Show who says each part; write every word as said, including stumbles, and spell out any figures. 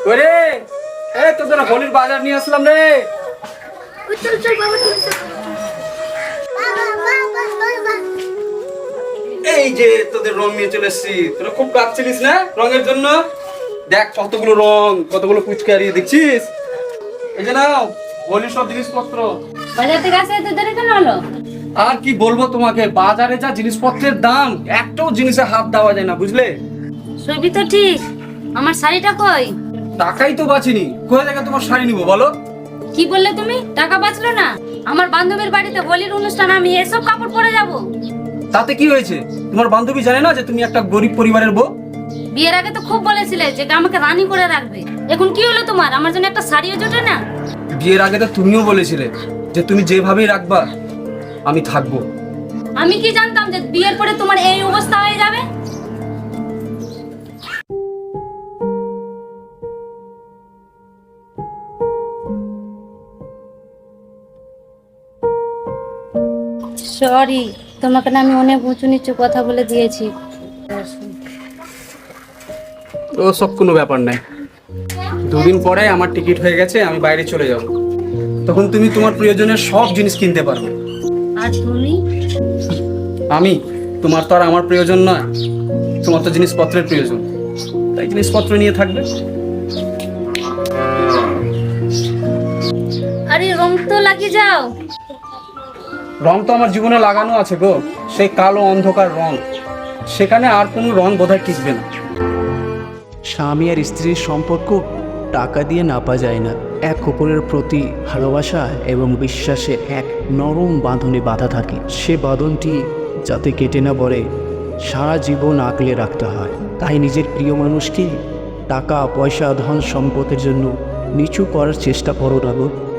Speaker 1: ওরে এ তোদের হোলির বাজার নিয়ে আসলাম রে।
Speaker 2: চল চল বাবা চল চল।
Speaker 1: এই যে তোদের রং নিয়ে চলে এসেছি, তোরা খুব কাঁদছিলিস না রঙের জন্য। দেখ কতগুলো রং, কতগুলো পুচকারি দেখছিস। এই যে নাও হোলির সব জিনিসপত্র।
Speaker 2: বাজার থেকে আসে এত দেরি কেন হলো?
Speaker 1: আর কি বলবো তোমাকে, বাজারে যা জিনিসপত্রের দাম, একটাও জিনিসে হাত দেওয়া যায় না বুঝলে।
Speaker 2: সবই তো ঠিক, আমার শাড়িটা কই?
Speaker 1: টাকাই তো বাঁচিনি, কোথা থেকে তোমার শাড়ি নিবো বলো।
Speaker 2: কি বললে তুমি? টাকা বাঁচলো না? আমার বান্ধবীর বাড়িতে হোলির অনুষ্ঠান, আমি এসব কাপড় পরে যাব?
Speaker 1: তাতে কি হয়েছে? তোমার বান্ধবী জানে না যে তুমি একটা গরিব পরিবারের বউ?
Speaker 2: বিয়ের আগে তো খুব বলেছিলে যে আমাকে রানী করে রাখবে, এখন কি হলো তোমার? আমার জন্য একটা শাড়িও জোটে না?
Speaker 1: বিয়ের আগে তো তুমিও বলেছিলে যে তুমি যেভাবেই রাখবা আমি থাকবো।
Speaker 2: আমি কি জানতাম যে বিয়ের পরে তোমার এই অবস্থা হয়ে যাবে? সরি, তোমাকে না আমি অনেক উঁচু নিচু কথা বলে দিয়েছি।
Speaker 1: ও সব কোনো ব্যাপার নাই। দুদিন পরে আমার টিকিট হয়ে গেছে, আমি বাইরে চলে যাব। তখন তুমি তোমার প্রিয়জনের সব জিনিস কিনতে পারবে।
Speaker 2: আর তুমি?
Speaker 1: আমি তোমার তো আর আমার প্রয়োজন নয়, তোমার তো জিনিসপত্রের প্রয়োজন, তাই জিনিসপত্র নিয়ে থাকবে।
Speaker 2: আরে রং তো লাগিয়ে যাও।
Speaker 1: রং তো আমার জীবনে লাগানো আছে গো, সেই কালো অন্ধকার রং, সেখানে আর কোনো রং বোধহয় টিকবে না।
Speaker 3: স্বামী আর স্ত্রীর সম্পর্ক টাকা দিয়ে নাপা যায় না। এক অপরের প্রতি ভালোবাসা এবং বিশ্বাসে এক নরম বাঁধনে বাঁধা থাকে। সে বাঁধনটি যাতে কেটে না পড়ে সারা জীবন আগলে রাখতে হয়। তাই নিজের প্রিয় মানুষকে টাকা পয়সা ধন সম্পদের জন্য নিচু করার চেষ্টা করো না গো।